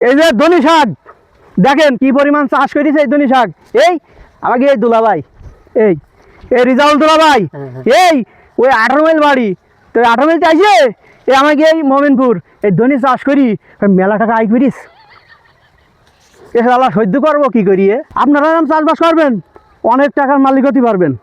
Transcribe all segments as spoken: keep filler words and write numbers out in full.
এই যে ধনি শাক দেখেন কি পরিমাণ চাষ করেছে এই ধনি শাক। এই আমাকে এই দুলাভাই এই এই রিজাউল দুলাভাই এই ওই আঠারো মাইল বাড়ি তো আঠারো মাইল চাইছে এই আমাকে এই মোমিনপুর এই ধনি চাষ করি মেলা টাকা আয় করিস এ আল্লাহ সহ্য করবো কি করিয়ে। আপনারা চাষবাস করবেন অনেক টাকার মালিক হতে পারবেন।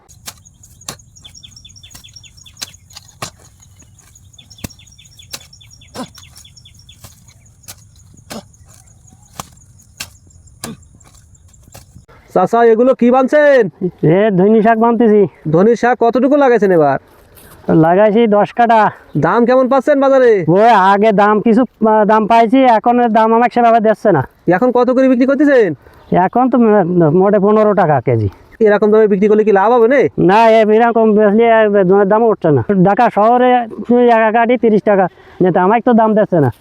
চাচা এগুলো কি বানছেন? এ ধনি শাক বানতেছি। ধনির শাক কতটুকু লাগাইছেন এবার? লাগাইছি দশ কাটা। দাম কেমন পাচ্ছেন বাজারে? ওই আগে দাম কিছু আহ, দাম পাইছি, এখন দাম আমাকে সেভাবে দিচ্ছে না। এখন কত করে বিক্রি করতেছেন? এখন তো মোটে পনেরো টাকা কেজি। এরকম দামে বিক্রি করলে কি লাভ হবে না? না এরকম বেশি জনের দাম উঠছে না। ঢাকা শহরে এক কাটি তিরিশ টাকা যেটা আমাকে তো দাম দিচ্ছে না।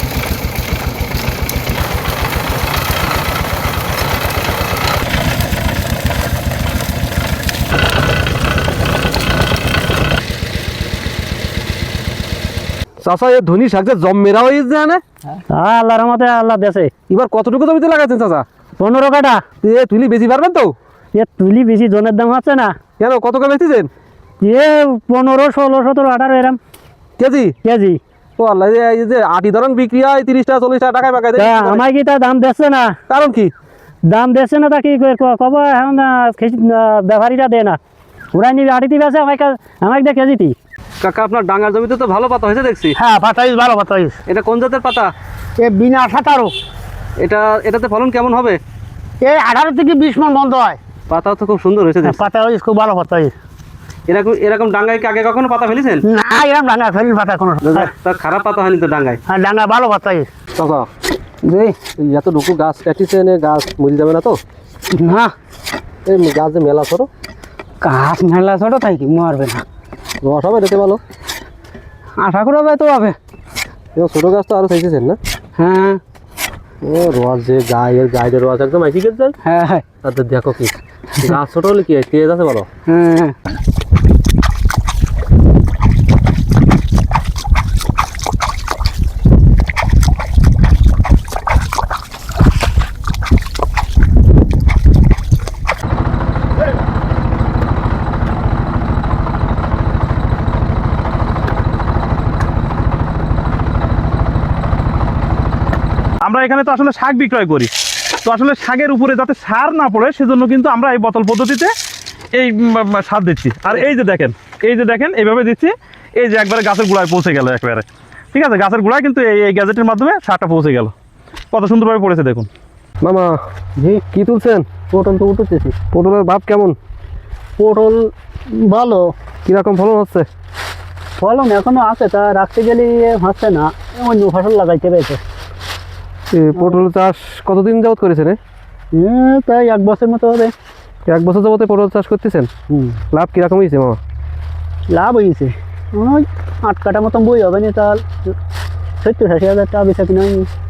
চাচা এই ধনি শাক যে জম্মেরা হয়ে যায় না? হ্যাঁ আল্লাহর রহমতে আল্লাহ দেশে। এবার কতটুকু জমিতে লাগাচ্ছেন চাচা? পনেরো কাটা। এ তুলি বেশি পারবেন তো? এ তুলি বেশি জনের দাম হচ্ছে না। কেন কত করে বেচতেছেন? এ পনেরো ষোলো সতেরো আঠারো এরম কেজি? কেজি। ও আল্লাহ, এই যে আটি ধরন বিক্রি হয় তিরিশ টাকা চল্লিশ টাকা টাকায় পাকায় দেয়, আমায় কি তা দাম দিচ্ছে না? কারণ কি? দাম দিচ্ছে না তা কি কব এখন ব্যাপারীরা দেয় না, ওরা নিবি আটিতে বেছে আমাকে আমাকে দেয় কেজিটি। কাকা আপনার ডাঙ্গার জমিতে তো ভালো পাতা হয়েছে দেখছি। হ্যাঁ পাতা হয়েছে, ভালো পাতা হয়েছে। এটা কোন জাতের পাতা? এ বিনা সাতারো। এটা এটাতে ফলন কেমন হবে? এই আঠারো থেকে বিশ মন বন্ধ হয়। পাতা তো খুব সুন্দর হয়েছে দেখছি। পাতা হয়েছে খুব ভালো পাতা হয়েছে। এরকম এরকম ডাঙ্গায় কি আগে কখনো পাতা ফেলেছেন? না এরকম ডাঙ্গা ফেলি পাতা কোনো তা খারাপ পাতা হয়নি তো ডাঙ্গায়? হ্যাঁ ডাঙ্গা ভালো পাতা হয়েছে। চাচা যে এত ঢুকু গাছ কাটিছেন, গাছ মরে যাবে না তো? না এই গাছ যে মেলা ছোট, গাছ মেলা ছোট তাই কি মারবে না, রস হবে এটাতে ভালো আশা করা যায় তো হবে। ছোট গাছ তো আরো চাইছেন না? হ্যাঁ ও রস যে গায়ের গায়ের রস একদম আইসি গেছে যায়। হ্যাঁ হ্যাঁ তাদের দেখো কি গাছ ছোট হলে কি তেজ আছে বলো? হ্যাঁ আমরা এখানে তো আসলে শাক বিক্রয় করি, তো আসলে শাকের উপরে যাতে সার না পড়ে সেজন্য কিন্তু আমরা এই বোতল পদ্ধতিতে এই উম, সার দিচ্ছি। আর এই যে দেখেন এই যে দেখেন এইভাবে দিচ্ছি, এই যে একবারে গাছের গোড়ায় পৌঁছে গেল একবারে, ঠিক আছে? গাছের গোড়ায় কিন্তু এই এই গ্যাজেটের মাধ্যমে সারটা পৌঁছে গেল, কত সুন্দরভাবে পড়েছে দেখুন। মামা জি কি তুলছেন? পটল তো উঠতেছি। পটলের ভাব কেমন? পটল ভালো। কিরকম ফলন হচ্ছে? ফলন এখনো আছে, তা রাখতে গেলে হচ্ছে না, অন্য ফসল লাগাইতে পেরেছে। পটল চাষ কতদিন যাবত করেছেন? তাই এক বছর মতো হবে। এক বছর যাবতে পটল চাষ করতেছেন? হুম লাভ কিরকম হয়েছে মামা? লাভ হয়েছে ওই আট কাটা মতন বই হবে না, তাহলে সত্তর আশি হাজার টাকা বেচা কিনা হয়নি।